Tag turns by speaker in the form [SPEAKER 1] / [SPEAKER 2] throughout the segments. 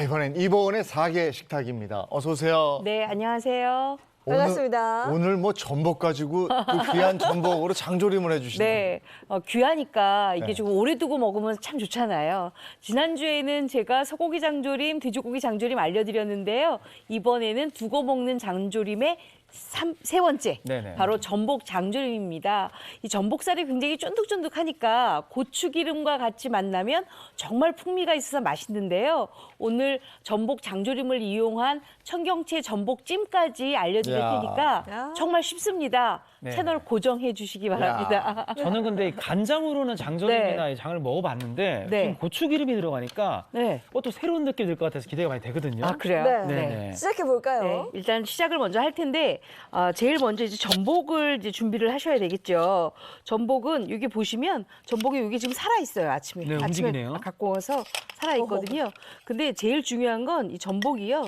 [SPEAKER 1] 이번엔 이보은의 4개 식탁입니다. 어서 오세요.
[SPEAKER 2] 네, 안녕하세요.
[SPEAKER 3] 반갑습니다.
[SPEAKER 1] 오늘 뭐 전복 가지고 그 귀한 전복으로 장조림을 해주시네요.
[SPEAKER 2] 네, 귀하니까 이게
[SPEAKER 1] 네.
[SPEAKER 2] 좀 오래 두고 먹으면 참 좋잖아요. 지난주에는 제가 소고기 장조림, 돼지고기 장조림 알려드렸는데요. 이번에는 두고 먹는 장조림의 세 번째,
[SPEAKER 4] 네네.
[SPEAKER 2] 바로 전복 장조림입니다. 이 전복살이 굉장히 쫀득쫀득하니까 고추기름과 같이 만나면 정말 풍미가 있어서 맛있는데요. 오늘 전복 장조림을 이용한 청경채 전복찜까지 알려드릴
[SPEAKER 1] 야.
[SPEAKER 2] 테니까
[SPEAKER 3] 야.
[SPEAKER 2] 정말 쉽습니다.
[SPEAKER 4] 네.
[SPEAKER 2] 채널 고정해 주시기 바랍니다.
[SPEAKER 4] 저는 근데 간장으로는 장조림이나 이 장을 먹어봤는데
[SPEAKER 2] 네.
[SPEAKER 4] 지금 고추기름이 들어가니까
[SPEAKER 2] 네.
[SPEAKER 4] 또 새로운 느낌이 들 것 같아서 기대가 많이 되거든요.
[SPEAKER 2] 아, 그래요?
[SPEAKER 3] 네.
[SPEAKER 4] 네네.
[SPEAKER 3] 시작해 볼까요?
[SPEAKER 2] 네, 일단 시작을 먼저 할 텐데 제일 먼저 이제 전복을 이제 준비를 하셔야 되겠죠. 전복은 여기 보시면 전복이 여기 지금 살아 있어요. 아침에
[SPEAKER 4] 움직이네요.
[SPEAKER 2] 갖고 와서 살아 있거든요. 근데 제일 중요한 건 이 전복이요.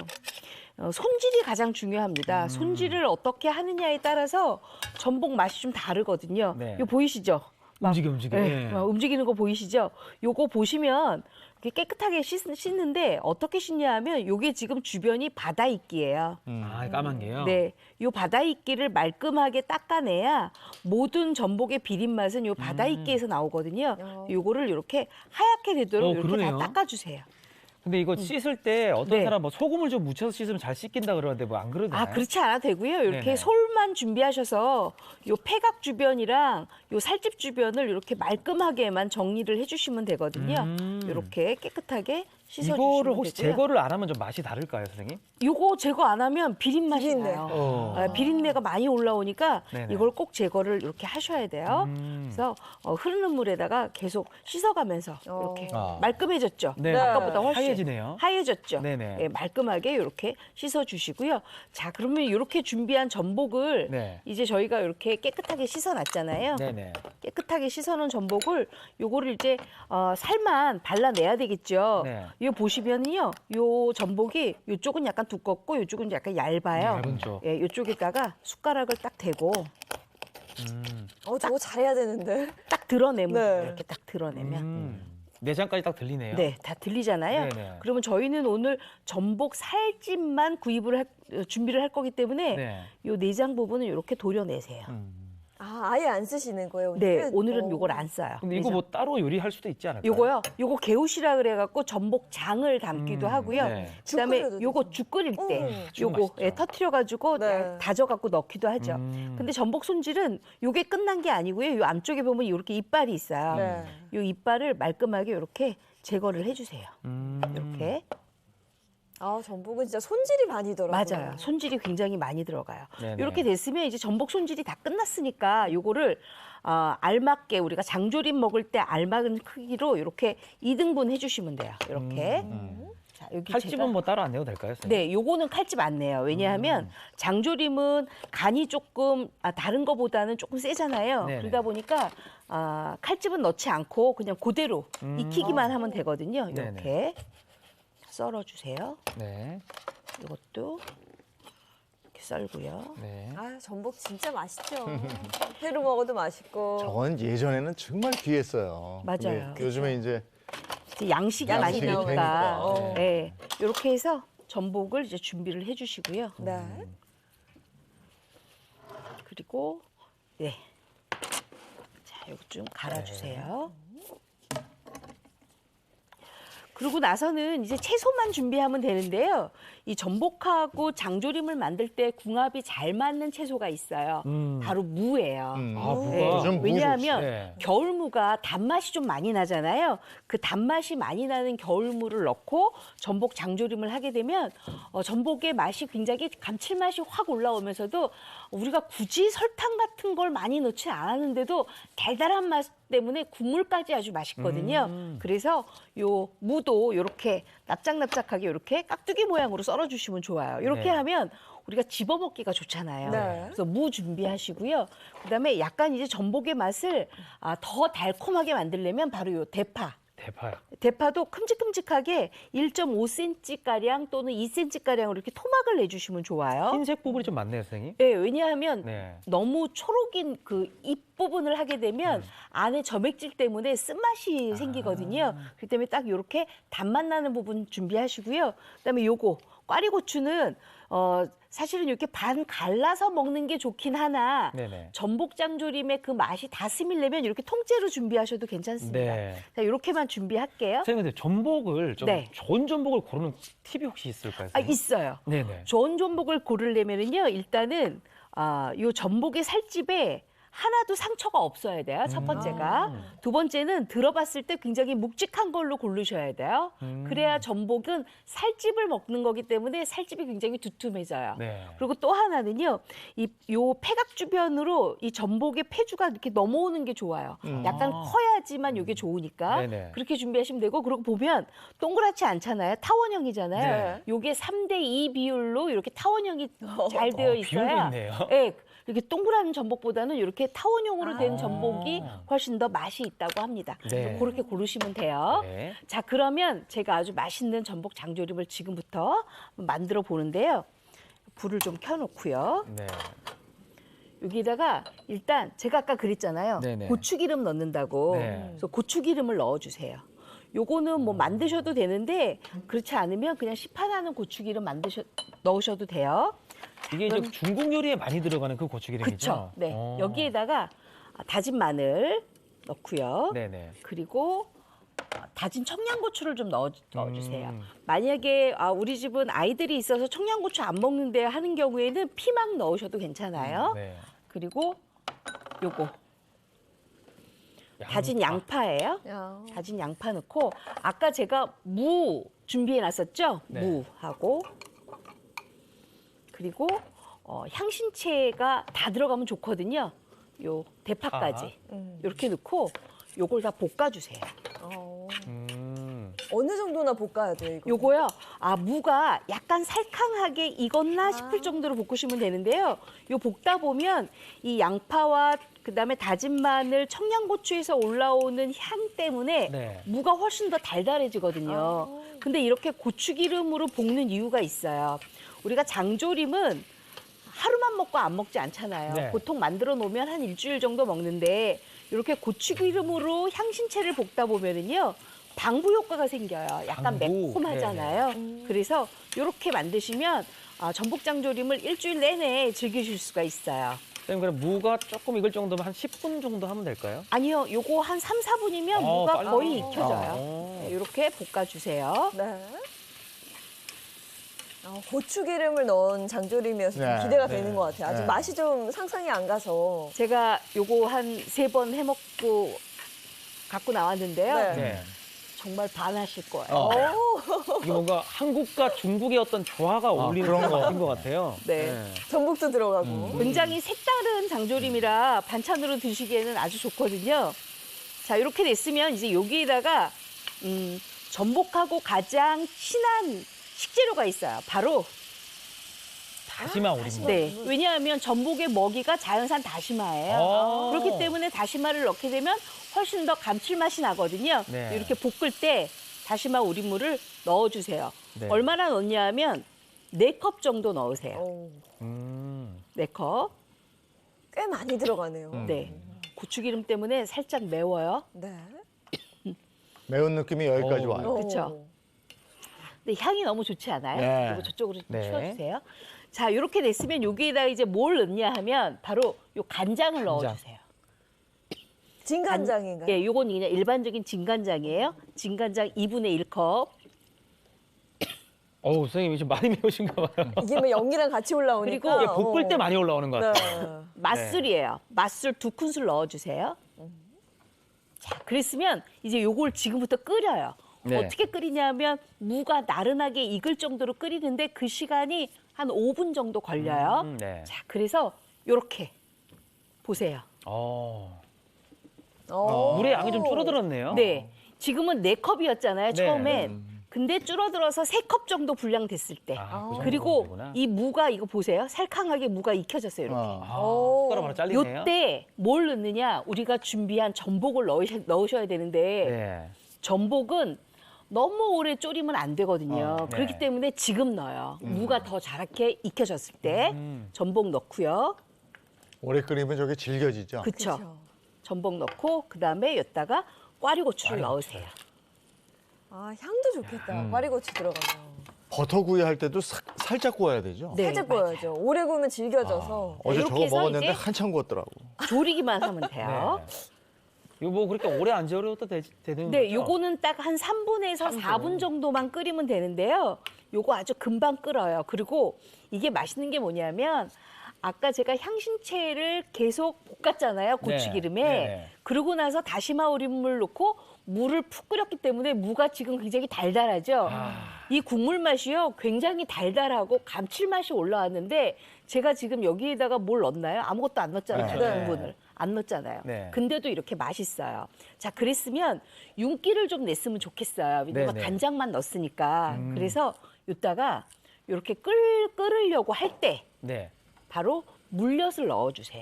[SPEAKER 2] 손질이 가장 중요합니다. 손질을 어떻게 하느냐에 따라서 전복 맛이 좀 다르거든요.
[SPEAKER 4] 네.
[SPEAKER 2] 이거 보이시죠?
[SPEAKER 4] 움직여.
[SPEAKER 2] 네,
[SPEAKER 4] 예.
[SPEAKER 2] 막 움직이는 거 보이시죠? 요거 보시면 이렇게 깨끗하게 씻는데 어떻게 씻냐 하면 요게 지금 주변이 바다 이끼예요.
[SPEAKER 4] 아, 까만 게요?
[SPEAKER 2] 네, 요 바다 이끼를 말끔하게 닦아내야 모든 전복의 비린 맛은 요 바다 이끼에서 나오거든요. 요거를 이렇게 하얗게 되도록 이렇게
[SPEAKER 4] 그러네요.
[SPEAKER 2] 다 닦아주세요.
[SPEAKER 4] 근데 이거 씻을 때 어떤
[SPEAKER 2] 네.
[SPEAKER 4] 사람 뭐 소금을 좀 묻혀서 씻으면 잘 씻긴다 그러는데 뭐 안 그러나요?
[SPEAKER 2] 아, 그렇지 않아도 되고요. 이렇게
[SPEAKER 4] 네네.
[SPEAKER 2] 솔만 준비하셔서 요 폐각 주변이랑 요 살집 주변을 이렇게 말끔하게만 정리를 해주시면 되거든요. 이렇게 깨끗하게 씻어주시면
[SPEAKER 4] 이거를 혹시
[SPEAKER 2] 되고요.
[SPEAKER 4] 제거를 안 하면 좀 맛이 다를까요, 선생님?
[SPEAKER 2] 요거 제거 안 하면 비린 맛이
[SPEAKER 3] 비린내.
[SPEAKER 2] 나요. 비린내가 많이 올라오니까
[SPEAKER 4] 네네.
[SPEAKER 2] 이걸 꼭 제거를 이렇게 하셔야 돼요. 그래서 흐르는 물에다가 계속 씻어가면서 이렇게
[SPEAKER 1] 아.
[SPEAKER 2] 말끔해졌죠.
[SPEAKER 4] 네.
[SPEAKER 2] 아까보다 훨씬
[SPEAKER 4] 하얘지네요.
[SPEAKER 2] 하얘졌죠.
[SPEAKER 4] 네네.
[SPEAKER 2] 예, 말끔하게 이렇게 씻어주시고요. 자, 그러면 이렇게 준비한 전복을
[SPEAKER 4] 네.
[SPEAKER 2] 이제 저희가 이렇게 깨끗하게 씻어놨잖아요.
[SPEAKER 4] 네네.
[SPEAKER 2] 깨끗하게 씻어놓은 전복을 요거를 이제 살만 발라내야 되겠죠.
[SPEAKER 4] 네.
[SPEAKER 2] 이거 보시면요, 요 전복이 요쪽은 약간 두껍고 요쪽은 약간 얇아요.
[SPEAKER 4] 얇은 쪽.
[SPEAKER 2] 예, 요쪽에다가 숟가락을 딱 대고
[SPEAKER 3] 저거 잘해야 되는데.
[SPEAKER 2] 딱 드러내면
[SPEAKER 3] 네.
[SPEAKER 2] 이렇게 딱 드러내면
[SPEAKER 4] 내장까지 딱 들리네요.
[SPEAKER 2] 네, 다 들리잖아요.
[SPEAKER 4] 네네.
[SPEAKER 2] 그러면 저희는 오늘 전복 살집만 준비를 할 거기 때문에
[SPEAKER 4] 네.
[SPEAKER 2] 요 내장 부분은 이렇게 도려내세요.
[SPEAKER 3] 아예 안 쓰시는 거예요,
[SPEAKER 2] 네,
[SPEAKER 3] 오늘은?
[SPEAKER 2] 오늘은 요걸 안 써요.
[SPEAKER 4] 근데 이거 뭐 따로 요리할 수도 있지 않을까요?
[SPEAKER 2] 요거요. 요거 개우시라 그래갖고 전복장을 담기도 하고요.
[SPEAKER 4] 네.
[SPEAKER 2] 그다음에
[SPEAKER 3] 죽 끓여도
[SPEAKER 2] 요거
[SPEAKER 3] 되죠.
[SPEAKER 2] 죽 끓일 때
[SPEAKER 4] 죽
[SPEAKER 2] 요거
[SPEAKER 4] 맛있죠.
[SPEAKER 2] 터트려가지고
[SPEAKER 3] 네.
[SPEAKER 2] 다져갖고 넣기도 하죠. 근데 전복 손질은 요게 끝난 게 아니고요. 요 앞쪽에 보면 이렇게 이빨이 있어요.
[SPEAKER 3] 네.
[SPEAKER 2] 요 이빨을 말끔하게 이렇게 제거를 해주세요. 이렇게.
[SPEAKER 3] 전복은 진짜 손질이 많이 더라고요.
[SPEAKER 2] 맞아요. 손질이 굉장히 많이 들어가요.
[SPEAKER 4] 네네.
[SPEAKER 2] 이렇게 됐으면 이제 전복 손질이 다 끝났으니까 요거를 알맞게 우리가 장조림 먹을 때 알맞은 크기로 이렇게 2등분 해주시면 돼요. 이렇게. 자, 여기
[SPEAKER 4] 칼집은
[SPEAKER 2] 제가-
[SPEAKER 4] 뭐 따로 안 내도 될까요, 선생님?
[SPEAKER 2] 네, 요거는 칼집 안 내요. 왜냐하면 장조림은 간이 조금 다른 거보다는 조금 세잖아요.
[SPEAKER 4] 네네.
[SPEAKER 2] 그러다 보니까 칼집은 넣지 않고 그냥 그대로 익히기만 하면 되거든요. 이렇게
[SPEAKER 4] 네네.
[SPEAKER 2] 썰어주세요.
[SPEAKER 4] 네.
[SPEAKER 2] 이것도 이렇게 썰고요.
[SPEAKER 4] 네.
[SPEAKER 3] 전복 진짜 맛있죠. 회로 먹어도 맛있고.
[SPEAKER 1] 저건 예전에는 정말 귀했어요.
[SPEAKER 2] 맞아요.
[SPEAKER 1] 근데 요즘에 이제
[SPEAKER 2] 이제 양식이 많이
[SPEAKER 1] 양식이
[SPEAKER 2] 되니까.
[SPEAKER 1] 되니까.
[SPEAKER 2] 네. 이렇게 해서 전복을 이제 준비를 해주시고요.
[SPEAKER 3] 네.
[SPEAKER 2] 그리고 네. 자, 이거 좀 갈아주세요. 그러고 나서는 이제 채소만 준비하면 되는데요. 이 전복하고 장조림을 만들 때 궁합이 잘 맞는 채소가 있어요. 바로 무예요.
[SPEAKER 4] 무가.
[SPEAKER 2] 네,
[SPEAKER 1] 요즘 무
[SPEAKER 2] 왜냐하면
[SPEAKER 4] 네.
[SPEAKER 2] 겨울무가 단맛이 좀 많이 나잖아요. 그 단맛이 많이 나는 겨울무를 넣고 전복 장조림을 하게 되면 전복의 맛이 굉장히 감칠맛이 확 올라오면서도 우리가 굳이 설탕 같은 걸 많이 넣지 않았는데도 달달한 맛 때문에 국물까지 아주 맛있거든요. 그래서 요 무도 이렇게 납작납작하게 이렇게 깍두기 모양으로 썰어주시면 좋아요. 이렇게
[SPEAKER 4] 네.
[SPEAKER 2] 하면 우리가 집어먹기가 좋잖아요.
[SPEAKER 3] 네.
[SPEAKER 2] 그래서 무 준비하시고요. 그다음에 약간 이제 전복의 맛을 더 달콤하게 만들려면 바로 요 대파.
[SPEAKER 4] 대파요.
[SPEAKER 2] 대파도 큼직큼직하게 1.5cm가량 또는 2cm가량으로 이렇게 토막을 내주시면 좋아요.
[SPEAKER 4] 흰색 부분이 좀 많네요, 선생님.
[SPEAKER 2] 네, 왜냐하면
[SPEAKER 4] 네.
[SPEAKER 2] 너무 초록인 그 잎 앞부분을 하게 되면 안에 점액질 때문에 쓴맛이 생기거든요. 그렇기 때문에 딱 이렇게 단맛 나는 부분 준비하시고요. 그다음에 요거 꽈리고추는 사실은 이렇게 반 갈라서 먹는 게 좋긴 하나
[SPEAKER 4] 네네.
[SPEAKER 2] 전복장조림의 그 맛이 다 스밀려면 이렇게 통째로 준비하셔도 괜찮습니다.
[SPEAKER 4] 네.
[SPEAKER 2] 자, 이렇게만 준비할게요.
[SPEAKER 4] 선생님, 근데 전복을 좀
[SPEAKER 2] 네.
[SPEAKER 4] 좋은 전복을 고르는 팁이 혹시 있을까요?
[SPEAKER 2] 아,
[SPEAKER 4] 선생님?
[SPEAKER 2] 있어요.
[SPEAKER 4] 네네.
[SPEAKER 2] 좋은 전복을 고르려면은요, 일단은 요 전복의 살집에 하나도 상처가 없어야 돼요. 첫 번째가. 두 번째는 들어봤을 때 굉장히 묵직한 걸로 고르셔야 돼요. 그래야 전복은 살집을 먹는 거기 때문에 살집이 굉장히 두툼해져요.
[SPEAKER 4] 네.
[SPEAKER 2] 그리고 또 하나는요, 요 폐각 주변으로 이 전복의 폐주가 이렇게 넘어오는 게 좋아요. 약간 커야지만 이게 좋으니까.
[SPEAKER 4] 네네.
[SPEAKER 2] 그렇게 준비하시면 되고, 그리고 보면 동그랗지 않잖아요. 타원형이잖아요.
[SPEAKER 4] 네.
[SPEAKER 2] 요게 3대2 비율로 이렇게 타원형이 잘 되어
[SPEAKER 4] 비율도
[SPEAKER 2] 있어야.
[SPEAKER 4] 있네요.
[SPEAKER 2] 네, 이렇게 동그란 전복보다는 이렇게 타원형으로 된 전복이
[SPEAKER 4] 아.
[SPEAKER 2] 훨씬 더 맛이 있다고 합니다.
[SPEAKER 4] 네.
[SPEAKER 2] 그렇게 고르시면 돼요.
[SPEAKER 4] 네.
[SPEAKER 2] 자, 그러면 제가 아주 맛있는 전복 장조림을 지금부터 만들어 보는데요. 불을 좀 켜놓고요.
[SPEAKER 4] 네.
[SPEAKER 2] 여기다가 일단 제가 아까 그랬잖아요.
[SPEAKER 4] 네네.
[SPEAKER 2] 고추기름 넣는다고.
[SPEAKER 4] 네.
[SPEAKER 2] 그래서 고추기름을 넣어주세요. 요거는 뭐 만드셔도 되는데 그렇지 않으면 그냥 시판하는 고추기름 넣으셔도 돼요.
[SPEAKER 4] 이게 이제 중국 요리에 많이 들어가는 그 고추기름이죠?
[SPEAKER 2] 그렇죠. 네. 여기에다가 다진 마늘 넣고요.
[SPEAKER 4] 네네.
[SPEAKER 2] 그리고 다진 청양고추를 좀 넣어주세요.
[SPEAKER 4] 음.
[SPEAKER 2] 만약에 우리 집은 아이들이 있어서 청양고추 안 먹는데 하는 경우에는 피망 넣으셔도 괜찮아요.
[SPEAKER 4] 네.
[SPEAKER 2] 그리고 요거 다진 양파예요.
[SPEAKER 3] 야.
[SPEAKER 2] 다진 양파 넣고 아까 제가 무 준비해 놨었죠?
[SPEAKER 4] 네.
[SPEAKER 2] 무하고 그리고 향신채가 다 들어가면 좋거든요. 요 대파까지 이렇게 넣고 요걸 다 볶아주세요.
[SPEAKER 3] 어느 정도나 볶아야 돼요, 이거?
[SPEAKER 2] 요거요. 무가 약간 살캉하게 익었나 싶을 정도로 볶으시면 되는데요. 요 볶다 보면 이 양파와 그다음에 다진 마늘, 청양고추에서 올라오는 향 때문에
[SPEAKER 4] 네.
[SPEAKER 2] 무가 훨씬 더 달달해지거든요. 근데 이렇게 고추기름으로 볶는 이유가 있어요. 우리가 장조림은 하루만 먹고 안 먹지 않잖아요.
[SPEAKER 4] 네.
[SPEAKER 2] 보통 만들어 놓으면 한 일주일 정도 먹는데 이렇게 고추기름으로 향신채를 볶다 보면은요. 방부 효과가 생겨요. 약간
[SPEAKER 4] 방부.
[SPEAKER 2] 매콤하잖아요. 그래서 이렇게 만드시면 전복장조림을 일주일 내내 즐기실 수가 있어요.
[SPEAKER 4] 선생님, 그럼 무가 조금 익을 정도면 한 10분 정도 하면 될까요?
[SPEAKER 2] 아니요, 요거 한 3, 4분이면 무가
[SPEAKER 4] 빨리.
[SPEAKER 2] 거의 익혀져요.
[SPEAKER 4] 아.
[SPEAKER 2] 네, 이렇게 볶아주세요.
[SPEAKER 3] 네. 고추기름을 넣은 장조림이어서 좀
[SPEAKER 1] 네.
[SPEAKER 3] 기대가
[SPEAKER 4] 네.
[SPEAKER 3] 되는 것 같아요. 아직
[SPEAKER 1] 네.
[SPEAKER 3] 맛이 좀 상상이 안 가서.
[SPEAKER 2] 제가 요거 한 3번 해먹고 갖고 나왔는데요.
[SPEAKER 3] 네.
[SPEAKER 4] 네.
[SPEAKER 2] 정말 반하실 거예요.
[SPEAKER 4] 이게 뭔가 한국과 중국의 어떤 조화가 어울리는
[SPEAKER 1] 그런 거.
[SPEAKER 4] 맛인 것 같아요.
[SPEAKER 2] 네.
[SPEAKER 3] 전복도 들어가고.
[SPEAKER 2] 굉장히 색다른 장조림이라 반찬으로 드시기에는 아주 좋거든요. 자, 이렇게 됐으면 이제 여기에다가 전복하고 가장 친한 식재료가 있어요. 바로
[SPEAKER 4] 다시마 오리입니다.
[SPEAKER 2] 네. 왜냐하면 전복의 먹이가 자연산 다시마예요.
[SPEAKER 4] 아.
[SPEAKER 2] 그렇기 때문에 다시마를 넣게 되면 훨씬 더 감칠맛이 나거든요.
[SPEAKER 4] 네.
[SPEAKER 2] 이렇게 볶을 때 다시마 우린물을 넣어주세요.
[SPEAKER 4] 네.
[SPEAKER 2] 얼마나 넣냐 하면 4컵 정도 넣으세요.
[SPEAKER 3] 오,
[SPEAKER 2] 4컵.
[SPEAKER 3] 꽤 많이 들어가네요.
[SPEAKER 2] 네. 고추기름 때문에 살짝 매워요.
[SPEAKER 3] 네.
[SPEAKER 1] 매운 느낌이 여기까지
[SPEAKER 4] 오.
[SPEAKER 1] 와요.
[SPEAKER 2] 그쵸. 근데 향이 너무 좋지 않아요?
[SPEAKER 1] 네.
[SPEAKER 2] 그리고 저쪽으로 좀
[SPEAKER 4] 네.
[SPEAKER 2] 치워주세요. 자, 이렇게 됐으면 여기에다 이제 뭘 넣냐 하면 바로 요 간장을 넣어주세요.
[SPEAKER 3] 진간장인가요?
[SPEAKER 2] 예, 요건 그냥 일반적인 진간장이에요. 진간장 2분의 1컵.
[SPEAKER 4] 어우, 선생님 지금 많이 매우신가 봐요.
[SPEAKER 3] 이게 뭐 연기랑 같이 올라오니까.
[SPEAKER 2] 그리고
[SPEAKER 4] 이게 볶을 때 많이 올라오는 것 같아요.
[SPEAKER 3] 네.
[SPEAKER 2] 맛술이에요. 맛술 2큰술 넣어주세요. 자, 그랬으면 이제 요걸 지금부터 끓여요.
[SPEAKER 4] 네.
[SPEAKER 2] 어떻게 끓이냐면 무가 나른하게 익을 정도로 끓이는데 그 시간이 한 5분 정도 걸려요.
[SPEAKER 4] 네.
[SPEAKER 2] 자, 그래서 요렇게 보세요.
[SPEAKER 4] 물의 양이 좀 줄어들었네요.
[SPEAKER 2] 네. 지금은 4컵이었잖아요,
[SPEAKER 4] 네.
[SPEAKER 2] 처음엔. 근데 줄어들어서 3컵 정도 분량됐을 때.
[SPEAKER 4] 아, 그
[SPEAKER 2] 그리고
[SPEAKER 4] 정도구나.
[SPEAKER 2] 이 무가 이거 보세요. 살캉하게 무가 익혀졌어요, 이렇게.
[SPEAKER 4] 숟가락 하나 잘리네요.
[SPEAKER 2] 요때 뭘 넣느냐? 우리가 준비한 전복을 넣으셔야 되는데
[SPEAKER 4] 네.
[SPEAKER 2] 전복은 너무 오래 졸이면 안 되거든요.
[SPEAKER 4] 네.
[SPEAKER 2] 그렇기 때문에 지금 넣어요. 무가 더 자랗게 익혀졌을 때 전복 넣고요.
[SPEAKER 1] 오래 끓이면 저게 질겨지죠.
[SPEAKER 2] 그렇죠.
[SPEAKER 3] 그쵸.
[SPEAKER 2] 전복 넣고 그다음에 여기다가 꽈리고추를 넣으세요.
[SPEAKER 3] 아, 향도 좋겠다. 꽈리고추 들어가면.
[SPEAKER 1] 버터구이 할 때도 살짝 구워야 되죠?
[SPEAKER 2] 네,
[SPEAKER 3] 살짝 구워야죠. 오래 구우면 질겨져서.
[SPEAKER 1] 어제
[SPEAKER 2] 이렇게
[SPEAKER 1] 저거
[SPEAKER 2] 해서
[SPEAKER 1] 먹었는데
[SPEAKER 2] 이제
[SPEAKER 1] 한참 구웠더라고.
[SPEAKER 2] 조리기만 하면 돼요.
[SPEAKER 4] 이거 뭐 그렇게 오래 안 절여도 되는
[SPEAKER 2] 네,
[SPEAKER 4] 거죠?
[SPEAKER 2] 요거는 딱 한 3분에서 4분 정도만 끓이면 되는데요. 요거 아주 금방 끓어요. 그리고 이게 맛있는 게 뭐냐면 아까 제가 향신채를 계속 볶았잖아요. 고추기름에.
[SPEAKER 4] 네.
[SPEAKER 2] 그러고 나서 다시마 우린물 넣고 물을 푹 끓였기 때문에 무가 지금 굉장히 달달하죠. 이 국물 맛이요. 굉장히 달달하고 감칠맛이 올라왔는데 제가 지금 여기에다가 뭘 넣었나요? 아무것도 안 넣었잖아요.
[SPEAKER 3] 네.
[SPEAKER 2] 당분을. 안 넣었잖아요.
[SPEAKER 4] 네.
[SPEAKER 2] 근데도 이렇게 맛있어요. 자, 그랬으면 윤기를 좀 냈으면 좋겠어요. 왜냐면
[SPEAKER 4] 네네.
[SPEAKER 2] 간장만 넣었으니까. 그래서 이따가 이렇게 끓으려고 할 때
[SPEAKER 4] 네.
[SPEAKER 2] 바로 물엿을 넣어주세요.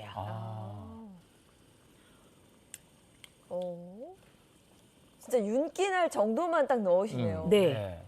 [SPEAKER 3] 진짜 윤기 날 정도만 딱 넣으시네요.
[SPEAKER 2] 네.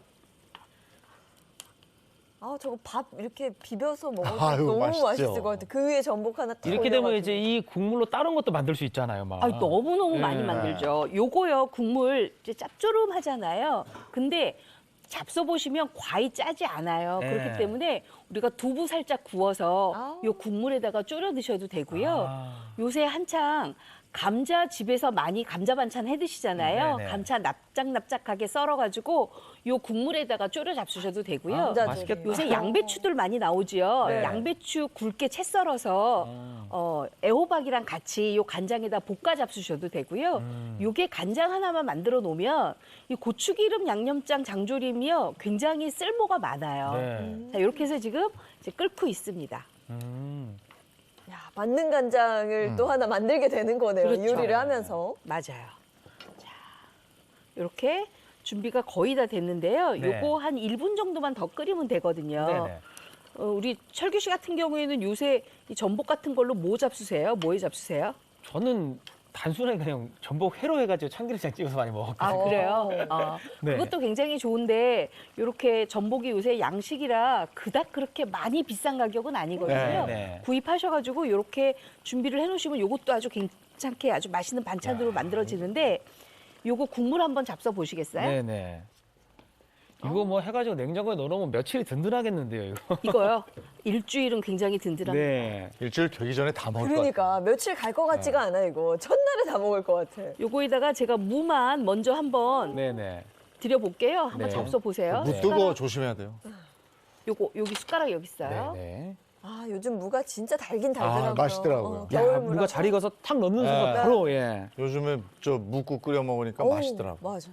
[SPEAKER 3] 아, 저거 밥 이렇게 비벼서 먹어도
[SPEAKER 1] 아유,
[SPEAKER 3] 너무
[SPEAKER 1] 맛있죠.
[SPEAKER 3] 맛있을 것 같아. 그 위에 전복 하나 딱
[SPEAKER 4] 이렇게 되면
[SPEAKER 3] 올려가지고.
[SPEAKER 4] 이제 이 국물로 다른 것도 만들 수 있잖아요, 막.
[SPEAKER 2] 아, 너무너무
[SPEAKER 4] 네.
[SPEAKER 2] 많이 만들죠. 요거요, 국물 이제 짭조름하잖아요. 근데 잡숴 보시면 과히 짜지 않아요.
[SPEAKER 4] 네.
[SPEAKER 2] 그렇기 때문에 우리가 두부 살짝 구워서
[SPEAKER 3] 아우.
[SPEAKER 2] 요 국물에다가 졸여 드셔도 되고요.
[SPEAKER 4] 아.
[SPEAKER 2] 요새 한창 감자 집에서 많이 감자 반찬 해 드시잖아요.
[SPEAKER 4] 네네.
[SPEAKER 2] 감자 납작납작하게 썰어가지고 요 국물에다가 졸여 잡수셔도 되고요.
[SPEAKER 3] 감자
[SPEAKER 4] 맛있겠다.
[SPEAKER 3] 조림.
[SPEAKER 2] 요새 양배추들 많이 나오지요.
[SPEAKER 4] 네.
[SPEAKER 2] 양배추 굵게 채 썰어서 애호박이랑 같이 요 간장에다 볶아 잡수셔도 되고요. 요게 간장 하나만 만들어 놓으면 이 고추기름 양념장 장조림이요 굉장히 쓸모가 많아요.
[SPEAKER 4] 네.
[SPEAKER 2] 자, 이렇게 해서 지금 이제 끓고 있습니다.
[SPEAKER 3] 야, 만능 간장을 또 하나 만들게 되는 거네요.
[SPEAKER 2] 그렇죠.
[SPEAKER 3] 요리를 하면서.
[SPEAKER 2] 맞아요. 자, 이렇게 준비가 거의 다 됐는데요.
[SPEAKER 4] 네.
[SPEAKER 2] 요거 한 1분 정도만 더 끓이면 되거든요.
[SPEAKER 4] 네네.
[SPEAKER 2] 우리 철규 씨 같은 경우에는 요새 이 전복 같은 걸로 뭐 잡수세요? 뭐에 잡수세요?
[SPEAKER 4] 저는 단순하게 그냥 전복 회로 해가지고 참기름장 찍어서 많이 먹었거든요.
[SPEAKER 2] 아, 그래요?
[SPEAKER 4] 네.
[SPEAKER 2] 그것도 굉장히 좋은데 이렇게 전복이 요새 양식이라 그닥 그렇게 많이 비싼 가격은 아니거든요.
[SPEAKER 4] 네, 네.
[SPEAKER 2] 구입하셔가지고 이렇게 준비를 해놓으시면 이것도 아주 괜찮게 아주 맛있는 반찬으로 만들어지는데 요거 국물 한번 잡숴 보시겠어요?
[SPEAKER 4] 네네. 이거 뭐 해가지고 냉장고에 넣어놓으면 며칠이 든든하겠는데요, 이거.
[SPEAKER 2] 이거요. 일주일은 굉장히 든든합니다.
[SPEAKER 4] 네.
[SPEAKER 1] 일주일 되기 전에 다 먹을 것 같아요.
[SPEAKER 3] 그러니까 며칠 갈 것 같지가 않아 이거. 첫날에 다 먹을 것 같아.
[SPEAKER 2] 요거에다가 제가 무만 먼저 한번
[SPEAKER 4] 네네.
[SPEAKER 2] 드려볼게요. 한번
[SPEAKER 4] 네.
[SPEAKER 2] 잡숴 보세요.
[SPEAKER 1] 무 뜨거 조심해야 돼요.
[SPEAKER 2] 요거 여기 숟가락 여기 있어요.
[SPEAKER 4] 네네.
[SPEAKER 3] 아, 요즘 무가 진짜 달긴 달더라고요.
[SPEAKER 1] 맛있더라고요.
[SPEAKER 4] 야,
[SPEAKER 3] 겨울
[SPEAKER 4] 무가
[SPEAKER 3] 무라서.
[SPEAKER 4] 잘 익어서 탁 넣는 순간
[SPEAKER 1] 네.
[SPEAKER 4] 바로, 예.
[SPEAKER 1] 요즘에 저 묵국 끓여 먹으니까
[SPEAKER 3] 어우,
[SPEAKER 1] 맛있더라고.
[SPEAKER 3] 맞아.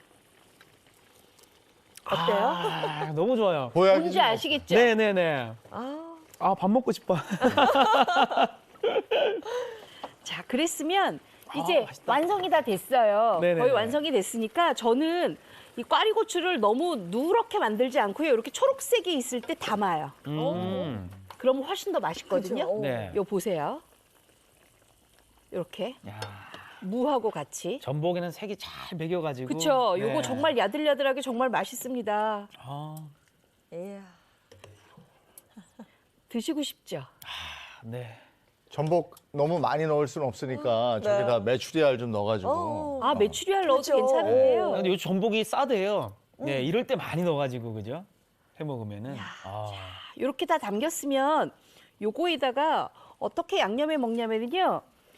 [SPEAKER 2] 어때요?
[SPEAKER 4] 아, 너무 좋아요.
[SPEAKER 1] 보약이지
[SPEAKER 2] 뭔지
[SPEAKER 1] 뭐.
[SPEAKER 2] 아시겠죠?
[SPEAKER 4] 네네네.
[SPEAKER 3] 아,
[SPEAKER 4] 아, 밥 먹고 싶어.
[SPEAKER 2] 자, 그랬으면 이제
[SPEAKER 4] 맛있다.
[SPEAKER 2] 완성이 다 됐어요.
[SPEAKER 4] 네네네.
[SPEAKER 2] 거의 완성이 됐으니까 저는 이 꽈리고추를 너무 누렇게 만들지 않고요. 이렇게 초록색이 있을 때 담아요. 그러면 훨씬 더 맛있거든요.
[SPEAKER 3] 그렇죠.
[SPEAKER 4] 네.
[SPEAKER 2] 요 보세요. 이렇게
[SPEAKER 4] 야,
[SPEAKER 2] 무하고 같이.
[SPEAKER 4] 전복에는 색이 잘 배겨가지고.
[SPEAKER 2] 그렇죠.
[SPEAKER 4] 네.
[SPEAKER 2] 요거 정말 야들야들하게 정말 맛있습니다.
[SPEAKER 4] 아,
[SPEAKER 3] 이야.
[SPEAKER 2] 드시고 싶죠?
[SPEAKER 4] 네.
[SPEAKER 1] 전복 너무 많이 넣을 수는 없으니까
[SPEAKER 3] 네.
[SPEAKER 1] 저기다 메추리알 좀 넣어가지고.
[SPEAKER 3] 어.
[SPEAKER 2] 아, 메추리알 넣어도
[SPEAKER 3] 그렇죠.
[SPEAKER 2] 괜찮은데요.
[SPEAKER 4] 근데 요 전복이 싸대요. 네, 이럴 때 많이 넣어가지고, 그죠? 해 먹으면은. 아,
[SPEAKER 2] 이렇게 다 담겼으면 요거에다가 어떻게 양념해 먹냐면요.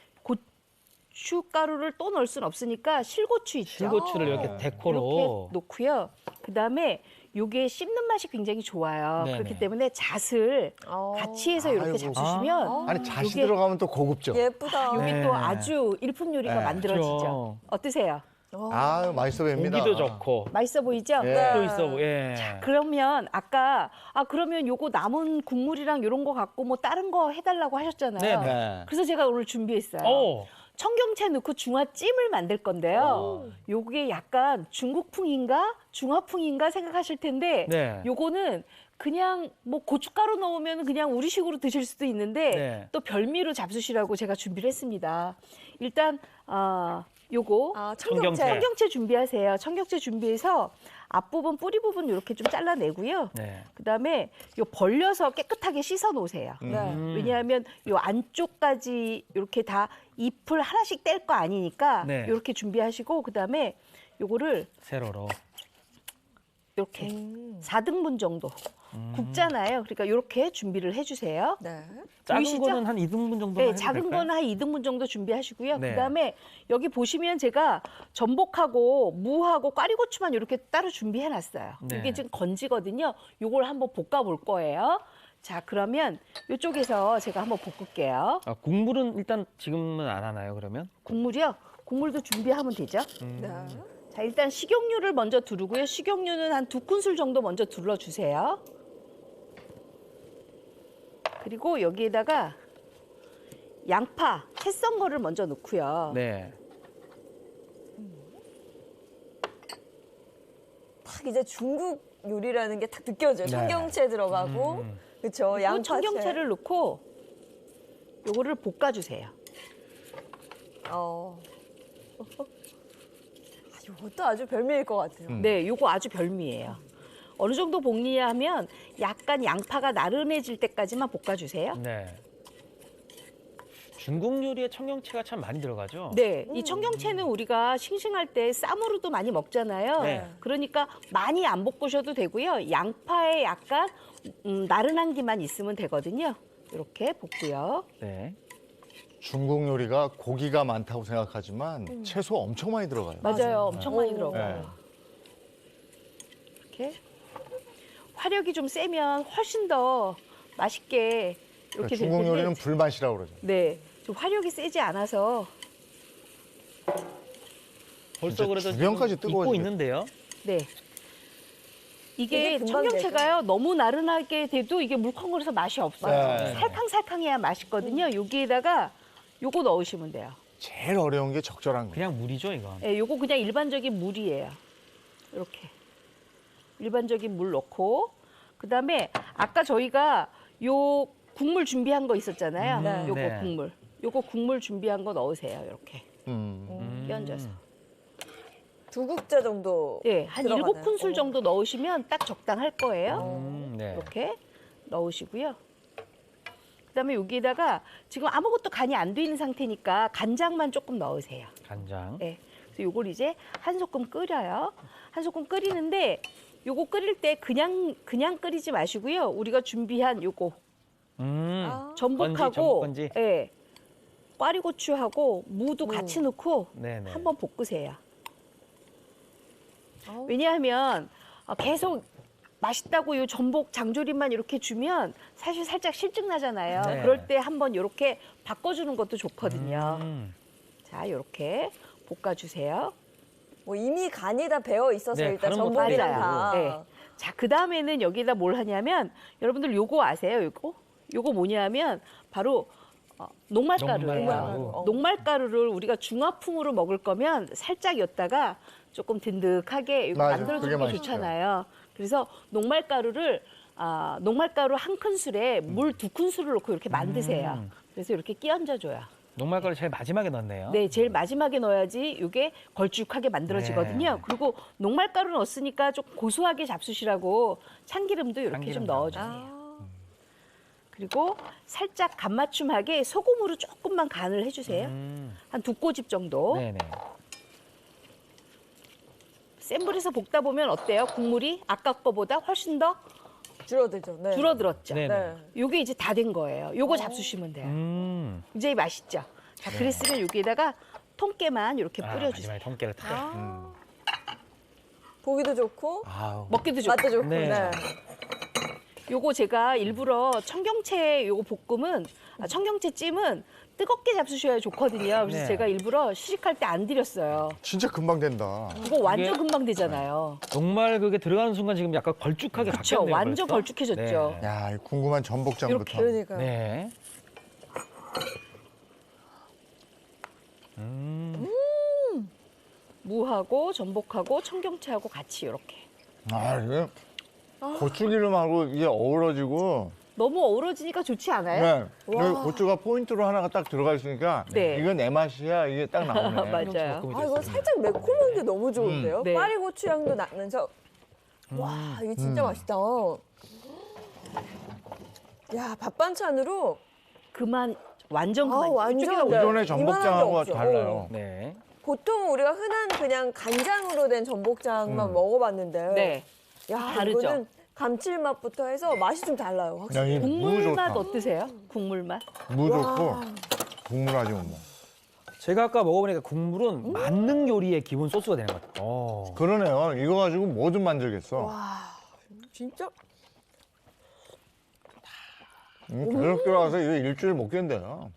[SPEAKER 2] 고춧가루를 또 넣을 수는 없으니까 실고추 있죠.
[SPEAKER 4] 실고추를 이렇게 데코로.
[SPEAKER 2] 이렇게 놓고요. 그다음에 요게 씹는 맛이 굉장히 좋아요.
[SPEAKER 4] 네네.
[SPEAKER 2] 그렇기 때문에 잣을 같이 해서 이렇게
[SPEAKER 1] 아이고.
[SPEAKER 2] 잡수시면
[SPEAKER 1] 아니 잣이
[SPEAKER 2] 요게-
[SPEAKER 1] 들어가면 또 고급죠.
[SPEAKER 3] 예쁘다.
[SPEAKER 2] 요게
[SPEAKER 4] 네.
[SPEAKER 2] 또 아주 일품 요리가
[SPEAKER 1] 네.
[SPEAKER 2] 만들어지죠.
[SPEAKER 4] 그렇죠.
[SPEAKER 2] 어떠세요?
[SPEAKER 1] 아 맛있어 보입니다.
[SPEAKER 4] 고기도 좋고.
[SPEAKER 2] 맛있어 보이죠?
[SPEAKER 1] 예.
[SPEAKER 4] 또 있어, 예.
[SPEAKER 2] 그러면 아까 그러면 요거 남은 국물이랑 요런 거 갖고 뭐 다른 거 해달라고 하셨잖아요.
[SPEAKER 4] 네네.
[SPEAKER 1] 네.
[SPEAKER 2] 그래서 제가 오늘 준비했어요.
[SPEAKER 4] 오,
[SPEAKER 2] 청경채 넣고 중화찜을 만들 건데요. 요게 약간 중국풍인가 중화풍인가 생각하실 텐데
[SPEAKER 4] 네.
[SPEAKER 2] 요거는 그냥 뭐 고춧가루 넣으면 그냥 우리식으로 드실 수도 있는데
[SPEAKER 4] 네.
[SPEAKER 2] 또 별미로 잡수시라고 제가 준비를 했습니다. 일단 요거
[SPEAKER 3] 아,
[SPEAKER 4] 청경채.
[SPEAKER 3] 청경채.
[SPEAKER 2] 청경채 준비하세요. 청경채 준비해서 앞부분 뿌리 부분 이렇게 좀 잘라내고요.
[SPEAKER 4] 네.
[SPEAKER 2] 그다음에 요 벌려서 깨끗하게 씻어 놓으세요.
[SPEAKER 3] 네.
[SPEAKER 2] 왜냐하면 요 안쪽까지 이렇게 다 잎을 하나씩 뗄 거 아니니까
[SPEAKER 4] 네.
[SPEAKER 2] 이렇게 준비하시고 그다음에 요거를
[SPEAKER 4] 세로로.
[SPEAKER 2] 이렇게 4등분 정도 굽잖아요. 그러니까 이렇게 준비를 해주세요.
[SPEAKER 3] 네.
[SPEAKER 4] 작은
[SPEAKER 2] 보이시죠?
[SPEAKER 4] 거는 한 2등분 정도
[SPEAKER 2] 네,
[SPEAKER 4] 해도
[SPEAKER 2] 작은
[SPEAKER 4] 될까요?
[SPEAKER 2] 거는 한 2등분 정도 준비하시고요.
[SPEAKER 4] 네.
[SPEAKER 2] 그다음에 여기 보시면 제가 전복하고 무하고 꽈리고추만 이렇게 따로 준비해 놨어요.
[SPEAKER 4] 네.
[SPEAKER 2] 이게 지금 건지거든요. 요걸 한번 볶아 볼 거예요. 자, 그러면 이쪽에서 제가 한번 볶을게요.
[SPEAKER 4] 아, 국물은 일단 지금은 안 하나요, 그러면?
[SPEAKER 2] 국물이요? 국물도 준비하면 되죠.
[SPEAKER 3] 네.
[SPEAKER 2] 자, 일단 식용유를 먼저 두르고요. 식용유는 한 2큰술 정도 먼저 둘러주세요. 그리고 여기에다가 양파, 채 썬 거를 먼저 넣고요.
[SPEAKER 4] 네.
[SPEAKER 3] 딱 이제 중국 요리라는 게 딱 느껴져요.
[SPEAKER 4] 네.
[SPEAKER 3] 청경채 들어가고, 그렇죠.
[SPEAKER 2] 그리고
[SPEAKER 3] 양파채.
[SPEAKER 2] 청경채를 넣고 요거를 볶아주세요.
[SPEAKER 3] 이것도 아주 별미일 것 같아요.
[SPEAKER 2] 네, 요거 아주 별미예요. 어느 정도 볶느냐 하면 약간 양파가 나른해질 때까지만 볶아주세요.
[SPEAKER 4] 네. 중국 요리에 청경채가 참 많이 들어가죠?
[SPEAKER 2] 네, 이 청경채는 우리가 싱싱할 때 쌈으로도 많이 먹잖아요.
[SPEAKER 4] 네.
[SPEAKER 2] 그러니까 많이 안 볶으셔도 되고요. 양파에 약간 나른한 기만 있으면 되거든요. 이렇게 볶고요.
[SPEAKER 4] 네.
[SPEAKER 1] 중국 요리가 고기가 많다고 생각하지만 채소 엄청 많이 들어가요.
[SPEAKER 2] 맞아요, 엄청 많이
[SPEAKER 3] 오.
[SPEAKER 2] 들어가요. 이렇게 화력이 좀 세면 훨씬 더 맛있게 이렇게 될
[SPEAKER 1] 중국
[SPEAKER 2] 텐데
[SPEAKER 1] 요리는 불맛이라고 그러죠.
[SPEAKER 2] 네, 좀 화력이 세지 않아서
[SPEAKER 4] 벌써
[SPEAKER 1] 진짜
[SPEAKER 4] 그래도
[SPEAKER 1] 주변까지
[SPEAKER 4] 지금 익고
[SPEAKER 1] 뜨거워지겠다.
[SPEAKER 4] 있는데요?
[SPEAKER 2] 네. 이게
[SPEAKER 3] 이게 금방
[SPEAKER 2] 청경채가요 너무 나른하게 돼도 이게 물컹거려서 맛이 없어요.
[SPEAKER 1] 네.
[SPEAKER 2] 살캉살캉해야 맛있거든요. 여기에다가 요거 넣으시면 돼요.
[SPEAKER 1] 제일 어려운 게 적절한 거예요.
[SPEAKER 4] 그냥 물이죠, 이건.
[SPEAKER 2] 예, 요거 그냥 일반적인 물이에요. 이렇게 일반적인 물 넣고 그다음에 아까 저희가 요 국물 준비한 거 있었잖아요.
[SPEAKER 3] 네.
[SPEAKER 2] 요거
[SPEAKER 4] 네.
[SPEAKER 2] 국물. 요거 국물 준비한 거 넣으세요. 이렇게
[SPEAKER 1] 음.
[SPEAKER 2] 끼얹어서.
[SPEAKER 3] 2국자 정도.
[SPEAKER 2] 예, 한
[SPEAKER 3] 들어가나요?
[SPEAKER 2] 7큰술 정도 넣으시면 딱 적당할 거예요.
[SPEAKER 4] 네.
[SPEAKER 2] 이렇게 넣으시고요. 그다음에 여기에다가 지금 아무것도 간이 안 돼 있는 상태니까 간장만 조금 넣으세요.
[SPEAKER 4] 간장.
[SPEAKER 2] 네. 그래서 요걸 이제 한 소끔 끓여요. 한 소끔 끓이는데 요거 끓일 때 그냥 끓이지 마시고요. 우리가 준비한 요거
[SPEAKER 3] 아,
[SPEAKER 2] 전복하고
[SPEAKER 4] 건지.
[SPEAKER 2] 예. 꽈리고추하고 무도 같이 넣고
[SPEAKER 4] 네네.
[SPEAKER 2] 한번 볶으세요.
[SPEAKER 3] 아우.
[SPEAKER 2] 왜냐하면 계속 맛있다고 요 전복 장조림만 이렇게 주면 사실 살짝 실증 나잖아요.
[SPEAKER 4] 네.
[SPEAKER 2] 그럴 때 한번 이렇게 바꿔주는 것도 좋거든요. 자, 이렇게 볶아주세요.
[SPEAKER 3] 뭐 이미 간이 다 배어 있어서
[SPEAKER 4] 네,
[SPEAKER 3] 일단
[SPEAKER 4] 다른 것도
[SPEAKER 3] 전복이랑
[SPEAKER 2] 맞아요.
[SPEAKER 3] 다.
[SPEAKER 2] 네. 자, 그 다음에는 여기다 뭘 하냐면 여러분들 요거 아세요? 요거 뭐냐면 바로 녹말가루예요.
[SPEAKER 4] 녹말가루.
[SPEAKER 2] 녹말가루를 우리가 중화풍으로 먹을 거면 살짝 였다가 조금 든득하게 이거
[SPEAKER 1] 맞아요.
[SPEAKER 2] 만들어주는
[SPEAKER 1] 그게
[SPEAKER 2] 게
[SPEAKER 1] 맛있죠.
[SPEAKER 2] 좋잖아요. 그래서 녹말가루를 녹말가루 한 큰술에 물 2큰술을 넣고 이렇게 만드세요. 그래서 이렇게 끼얹어줘요.
[SPEAKER 4] 녹말가루 제일 마지막에 넣네요.
[SPEAKER 2] 네, 제일 마지막에 넣어야지 이게 걸쭉하게 만들어지거든요.
[SPEAKER 4] 네.
[SPEAKER 2] 그리고 녹말가루 넣었으니까 좀 고소하게 잡수시라고 참기름도 이렇게
[SPEAKER 4] 참기름
[SPEAKER 2] 좀
[SPEAKER 4] 넣어줘.
[SPEAKER 2] 넣어주세요. 그리고 살짝 간맞춤하게 소금으로 조금만 간을 해주세요. 한 2꼬집 정도.
[SPEAKER 4] 네네.
[SPEAKER 2] 센 불에서 볶다 보면 어때요? 국물이 아까 거보다 훨씬 더
[SPEAKER 3] 줄어들죠. 네.
[SPEAKER 2] 줄어들었죠.
[SPEAKER 4] 네.
[SPEAKER 3] 네.
[SPEAKER 2] 요게 이제 다 된 거예요. 요거 잡수시면 돼요. 이제 맛있죠. 자, 그랬으면 여기에다가 통깨만 이렇게 뿌려주세요.
[SPEAKER 4] 마지막에 통깨를 탁.
[SPEAKER 3] 보기도 좋고
[SPEAKER 1] 아우.
[SPEAKER 2] 먹기도 좋고.
[SPEAKER 3] 맛도 좋고.
[SPEAKER 4] 네.
[SPEAKER 3] 네.
[SPEAKER 2] 요거 제가 일부러 청경채 요거 볶음은 청경채 찜은 뜨겁게 잡수셔야 좋거든요. 그래서
[SPEAKER 4] 네.
[SPEAKER 2] 제가 일부러 시식할 때 안 드렸어요.
[SPEAKER 1] 진짜 금방 된다.
[SPEAKER 2] 이거 완전
[SPEAKER 4] 이게-
[SPEAKER 2] 금방 되잖아요.
[SPEAKER 4] 녹말 그게 들어가는 순간 지금 약간 걸쭉하게
[SPEAKER 2] 그렇죠.
[SPEAKER 4] 바뀌었네요.
[SPEAKER 2] 완전
[SPEAKER 4] 벌써.
[SPEAKER 2] 걸쭉해졌죠.
[SPEAKER 4] 네.
[SPEAKER 1] 야, 이 궁금한 전복장부터.
[SPEAKER 2] 이렇게.
[SPEAKER 3] 그러니까요.
[SPEAKER 4] 네.
[SPEAKER 2] 무하고 전복하고 청경채하고 같이 이렇게.
[SPEAKER 1] 아, 이게 고추기름하고 이게 어우러지고
[SPEAKER 2] 너무 어우러지니까 좋지 않아요?
[SPEAKER 1] 네. 여기 고추가 포인트로 하나가 딱 들어가 있으니까
[SPEAKER 2] 네.
[SPEAKER 1] 이건 내 맛이야. 이게 딱 나오네.
[SPEAKER 2] 맞아요.
[SPEAKER 3] 아, 이거 살짝 매콤한 게 너무 좋은데요?
[SPEAKER 2] 네.
[SPEAKER 3] 파리고추 향도 나면서 와, 이게 진짜 맛있다. 야, 밥 반찬으로
[SPEAKER 2] 그만 완전
[SPEAKER 3] 아,
[SPEAKER 2] 그만.
[SPEAKER 3] 완전
[SPEAKER 2] 이쪽에다
[SPEAKER 3] 네.
[SPEAKER 1] 기존의
[SPEAKER 3] 이만한 게
[SPEAKER 1] 전복장하고
[SPEAKER 3] 없어.
[SPEAKER 1] 달라요.
[SPEAKER 4] 네.
[SPEAKER 3] 보통 우리가 흔한 그냥 간장으로 된 전복장만 먹어봤는데
[SPEAKER 2] 네.
[SPEAKER 3] 야,
[SPEAKER 2] 다르죠?
[SPEAKER 3] 이거는 감칠맛부터 해서 맛이 좀 달라요.
[SPEAKER 1] 야,
[SPEAKER 3] 확실히.
[SPEAKER 1] 이 무
[SPEAKER 2] 국물
[SPEAKER 1] 좋다.
[SPEAKER 2] 맛 어떠세요? 국물 맛?
[SPEAKER 1] 무 좋고 국물 아주 뭐.
[SPEAKER 4] 제가 아까 먹어보니까 국물은 만능 요리의 기본 소스가 되는 것 같아요.
[SPEAKER 1] 그러네요. 이거 가지고 뭐든 만들겠어.
[SPEAKER 3] 와, 진짜
[SPEAKER 1] 계속 들어와서 이거 일주일 먹겠는데요.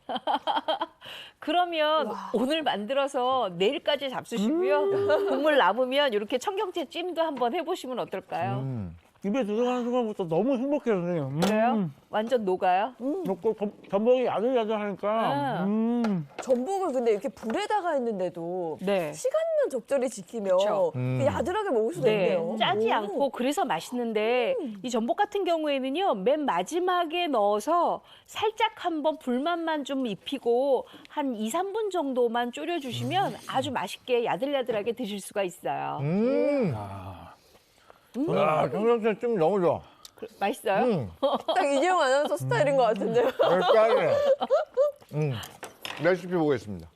[SPEAKER 2] 그러면 오늘 만들어서 내일까지 잡수시고요. 국물 남으면 이렇게 청경채 찜도 한번 해보시면 어떨까요?
[SPEAKER 4] 입에 들어가는 순간부터 너무 행복해요, 선생님.
[SPEAKER 2] 그래요? 완전 녹아요?
[SPEAKER 4] 먹고 전복이 야들야들하니까.
[SPEAKER 3] 전복을 근데 이렇게 불에다가 했는데도
[SPEAKER 2] 네.
[SPEAKER 3] 시간만 적절히 지키면
[SPEAKER 2] 그쵸.
[SPEAKER 3] 그 야들하게 먹을 수가
[SPEAKER 2] 네,
[SPEAKER 3] 있네요.
[SPEAKER 2] 짜지
[SPEAKER 3] 오.
[SPEAKER 2] 않고 그래서 맛있는데 이 전복 같은 경우에는요 맨 마지막에 넣어서 살짝 한번 불맛만 좀 입히고 한 2, 3분 정도만 졸여주시면 아주 맛있게 야들야들하게 드실 수가 있어요.
[SPEAKER 1] 야, 청경채 찜 너무 좋아.
[SPEAKER 2] 맛있어요?
[SPEAKER 3] 딱 이재용 아나운서 스타일인 것 같은데요.
[SPEAKER 1] 쌀이네. 레시피 보겠습니다.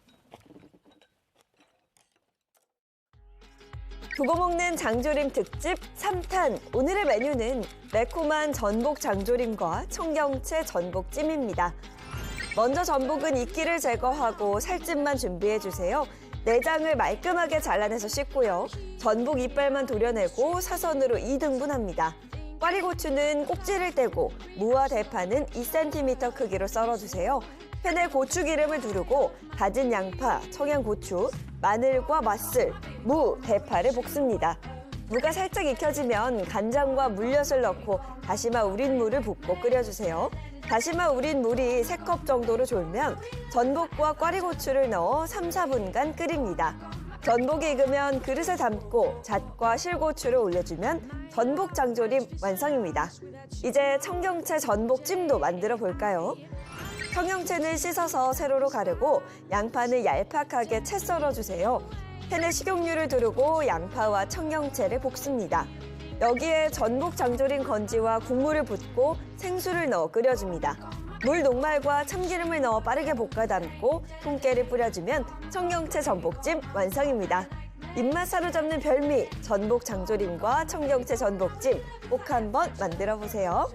[SPEAKER 3] 두고 먹는 장조림 특집 3탄. 오늘의 메뉴는 매콤한 전복 장조림과 청경채 전복찜입니다. 먼저 전복은 이끼를 제거하고 살집만 준비해주세요. 내장을 말끔하게 잘라내서 씻고요. 전복 이빨만 도려내고 사선으로 2등분합니다. 꽈리고추는 꼭지를 떼고 무와 대파는 2cm 크기로 썰어주세요. 팬에 고추기름을 두르고 다진 양파, 청양고추, 마늘과 맛술, 무, 대파를 볶습니다. 무가 살짝 익혀지면 간장과 물엿을 넣고 다시마 우린 물을 붓고 끓여주세요. 다시마 우린 물이 3컵 정도로 졸면 전복과 꽈리고추를 넣어 3, 4분간 끓입니다. 전복이 익으면 그릇에 담고 잣과 실고추를 올려주면 전복 장조림 완성입니다. 이제 청경채 전복찜도 만들어 볼까요? 청경채는 씻어서 세로로 가르고 양파는 얄팍하게 채 썰어주세요. 팬에 식용유를 두르고 양파와 청경채를 볶습니다. 여기에 전복 장조림 건지와 국물을 붓고 생수를 넣어 끓여줍니다. 물 녹말과 참기름을 넣어 빠르게 볶아 담고 통깨를 뿌려주면 청경채 전복찜 완성입니다. 입맛 사로잡는 별미 전복 장조림과 청경채 전복찜 꼭 한번 만들어 보세요.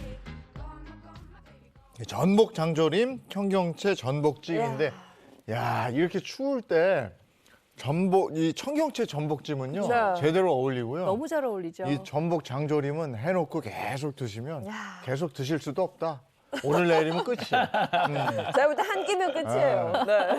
[SPEAKER 1] 전복 장조림, 청경채 전복찜인데, 야 이렇게 추울 때 이 청경채 전복찜은요
[SPEAKER 3] 네.
[SPEAKER 1] 제대로 어울리고요.
[SPEAKER 2] 너무 잘 어울리죠.
[SPEAKER 1] 이 전복 장조림은 해놓고 계속 드시면
[SPEAKER 3] 야.
[SPEAKER 1] 계속 드실 수도 없다. 오늘 내일이면 끝이야.
[SPEAKER 3] 자, 부터 한 끼면 끝이에요. 네.